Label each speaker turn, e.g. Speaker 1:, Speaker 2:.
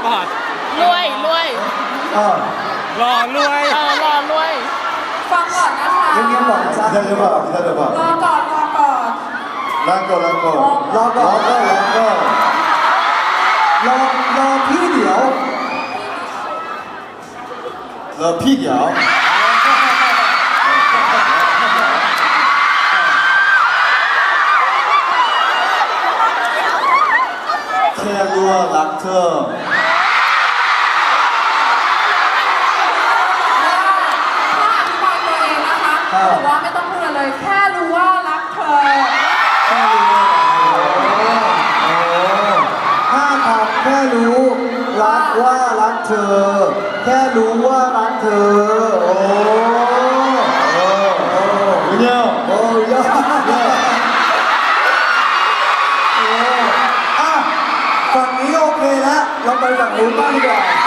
Speaker 1: ปอร์ต
Speaker 2: รวยรวย
Speaker 1: รอรวย
Speaker 2: รอรวย
Speaker 3: ฟังก่อนนะคะ
Speaker 4: เงียบๆก่อนนะจ๊ะ
Speaker 5: 기다려봐, 기다려봐.
Speaker 3: รอก่อนรอก่อน
Speaker 5: 랑거, 랑거.
Speaker 4: รอก่อน
Speaker 5: 랑거, 랑거.
Speaker 4: รอพี่เดี๋ยว
Speaker 5: 너 피겨. 캐루아 락터.
Speaker 3: ถ้าอธิบายตัวเองนะคะบอกว่าไม่ต้องพูดอะไรเลย แค่รู้ว่ารักเธอ
Speaker 4: ห้าคำแค่รู้รักว่ารักเธอ แค่รู้ว่ารักเธอ โอ้
Speaker 5: 은영.
Speaker 4: โอ้ยอดโอ้อ่ะฝั่งนี้โอเคแล้ว เราไปฝั่งนู้นบ้างดีกว่า